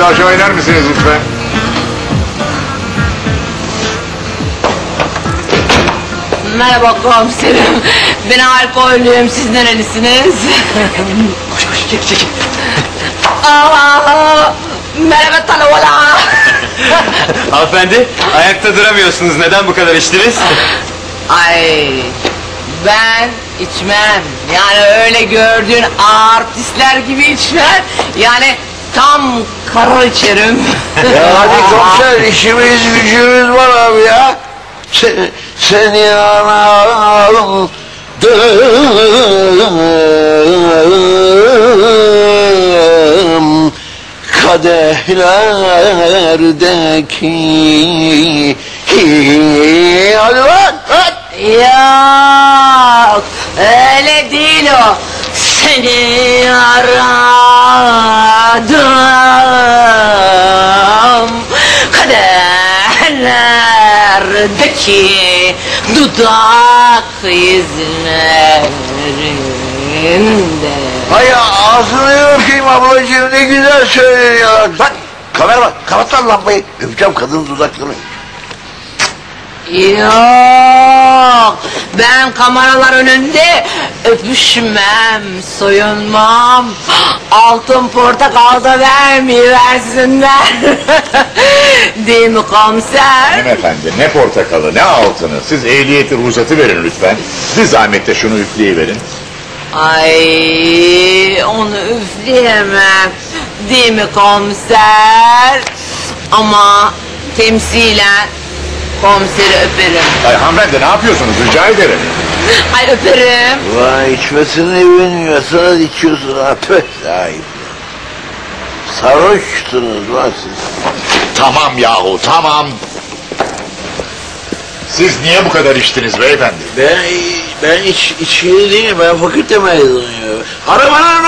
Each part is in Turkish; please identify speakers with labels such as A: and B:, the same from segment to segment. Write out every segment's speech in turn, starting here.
A: de aşağı iner misiniz lütfen?
B: Merhaba komiserim. Ben alkollüyüm. Siz nerelisiniz?
C: Koş koş çek.
B: Merhaba Talavala.
C: Hanımefendi ayakta duramıyorsunuz. Neden bu kadar içtiniz?
B: Ay ben içmem. Yani öyle gördüğün artistler gibi içmem. Yani tam kara içerim.
D: Ya hadi komiser, işimiz gücümüz var abi ya. Seni anladım. Kadehlerdeki. Hadi lan.
B: Yok öyle değil o. Seni aradım kaderlerdeki dudak izlerinde.
D: Hay ağzını öpeyim ablacığım, ne güzel söylüyor. Bak kamera bak, kapat lan lambayı. Öpeceğim kadının dudaklarını.
B: Yok, ben kameralar önünde öpüşmem, soyunmam, altın portakal da vermeyiversinler. Değil mi komiser?
A: Hanımefendi, ne portakalı, ne altını. Siz ehliyeti, ruhsatı verin lütfen. Bir zahmet de şunu üfleyiverin.
B: Ay, onu üfleyemem. Değil mi komiser? Ama temsilen komiseri öperim.
A: Ay hanımefendi, ne yapıyorsunuz, rica ederim.
B: Ay öperim.
D: Vay içmesine evleniyorsanız içiyorsun ha, tüh sahip. Sarhoşsunuz lan siz.
A: Tamam yahu, tamam. Siz niye bu kadar içtiniz beyefendi?
D: Ben içkili değilim, ben fakülte mezunuyum. Arabanın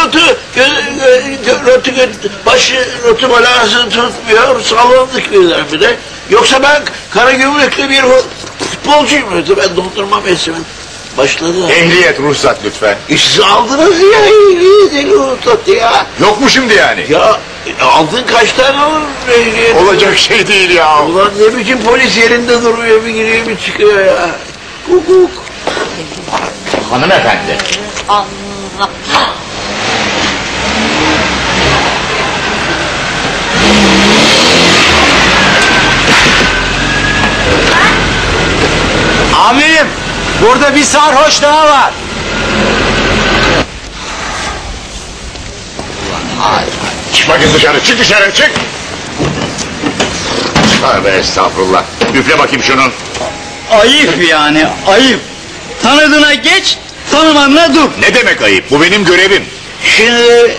D: başı notu balansı tutmuyor, sallandık birdenbire. Yoksa ben kara gümrüklü bir futbolcuyum. Ben dondurma mevsimim başladı.
A: Ehliyet, ruhsat lütfen.
D: Siz aldınız ya ehliyet, ruhsat ya.
A: Yok mu şimdi yani?
D: Ya aldın kaç tane alır ehliyet?
A: Olacak şey değil ya.
D: Ulan ne biçim polis yerinde durmuyor, bir giriyor bir çıkıyor ya. Hukuk.
A: Hanımefendi.
B: Allah.
C: Amirim burada bir sarhoş daha var.
A: Çık bakayım dışarı, çık dışarı, çık! Tövbe estağfurullah. Üfle bakayım şunu.
C: Ayıp yani ayıp. Tanıdığına geç, tanımadığına dur.
A: Ne demek ayıp? Bu benim görevim.
D: Şimdi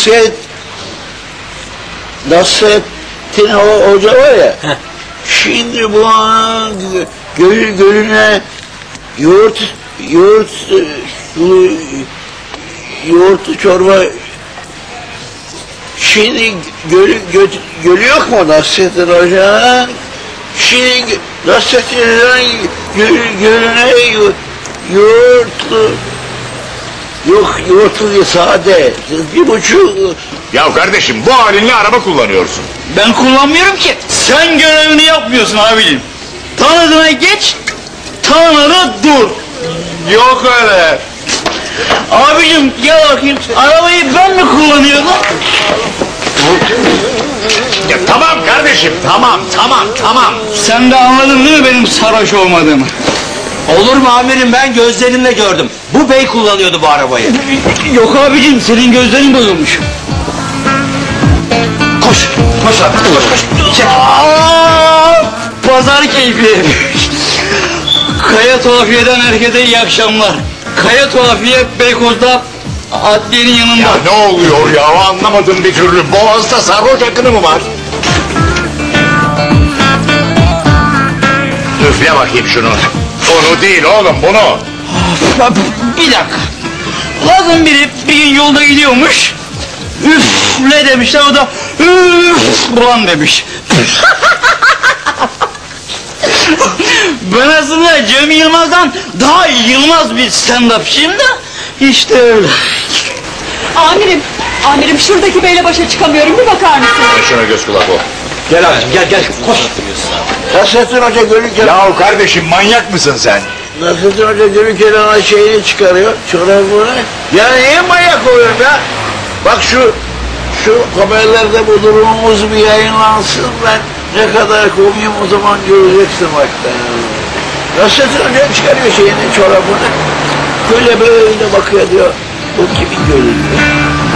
D: Nasrettin Hoca var ya, şimdi bu gölüne yoğurtlu çorba, şimdi gölü yok mu Nasrettin Hoca'nın? Şimdi Nasrettin Hoca'nın gölüne yoğurtlu, yok yoğurtlu değil, sade, 1,5.
A: Ya kardeşim, bu halinle araba kullanıyorsun.
C: Ben kullanmıyorum ki. Sen görevini yapmıyorsun abicim. Tanıdığına geç, tanımadığına dur. Yok öyle. Abicim gel bakayım. Arabayı ben mi kullanıyordum?
A: Ya tamam kardeşim, tamam.
C: Sen de anladın değil mi benim sarhoş olmadığımı?
E: Olur mu amirim, ben gözlerimle gördüm. Bu bey kullanıyordu bu arabayı.
C: Yok abicim, senin gözlerin bozulmuş.
E: Koş lan, koş. Çek.
C: Pazar keyfi. Kaya Tuhafiye'den herkese iyi akşamlar. Kaya Tuhafiye Beykoz'da adliyenin yanında.
A: Ya ne oluyor ya, anlamadım bir türlü. Boğaz'da sarhoş akını mı var? Üfle bakayım şunu. Onu değil oğlum, bunu.
C: Bir dakika. Lazım biri bir gün yolda gidiyormuş. Üfle demişler, o da üf ulan demiş. Ben aslında Cem Yılmaz'dan daha Yılmaz bir stand-upçıyım da işte öyle.
F: Amirim şuradaki beyle başa çıkamıyorum, bir bakar mısın?
A: Şuna göz kulak ol.
E: Gel abicim gel koş.
D: Nasrettin Hoca Gölüken...
A: Yahu kardeşim manyak mısın sen?
D: Nasrettin Hoca Gölüken'e şeyini çıkarıyor, çorabını. Ya niye manyak oluyorum ya? Bak şu haberlerde bu durumumuz bir yayınlansın, ben ne kadar komiyim o zaman göreceksin bak. Nasrettin Hoca çıkarıyor şeyini, çorabını. Böyle bakıyor diyor, bu kimin gölü?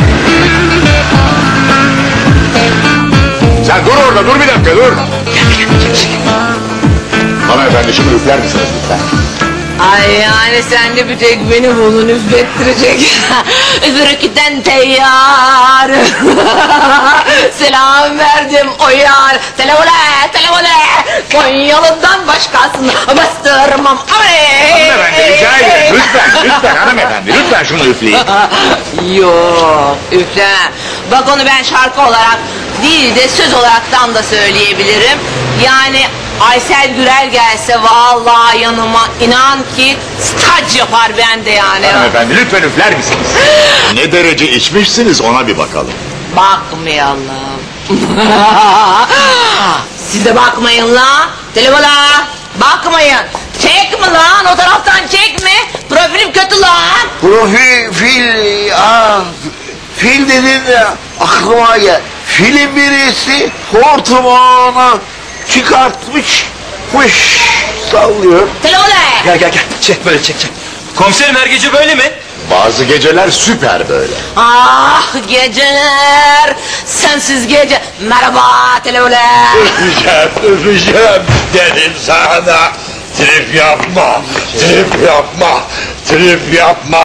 A: Sen dur orada, dur bir dakika, dur. Hanımefendi şunu üfler misiniz lütfen?
B: Ay yani sen de bir tek beni bunu üflettirecek. Öbürküden teyyar. Selam verdim o yar. Televole. Konyalı'dan başkasını bastırmam.
A: Hanımefendi rica ederim, lütfen hanımefendi, lütfen şunu üfleyin.
B: Yok üfle. Bak onu ben şarkı olarak değil de söz olaraktan da söyleyebilirim. Yani Aysel Gürel gelse vallahi yanıma inan ki staj yapar bende yani.
A: Hanımefendi lütfen üfler misiniz? Ne derece içmişsiniz ona bir bakalım.
B: Bakmayalım. Siz de bakmayın la. Televola. Bakmayın. Çek mi lan? O taraftan çek mi? Profilim kötü lan.
D: Fil dedin de aklıma gel. Filin birisi hortumağını çıkartmış, sallıyor.
B: Televola.
E: Gel çek böyle çek. Komiserim her gece böyle mi?
A: Bazı geceler süper böyle.
B: Ah geceler. Sensiz gece. Merhaba televola.
D: Öpeceğim dedim sana. Trip yapma.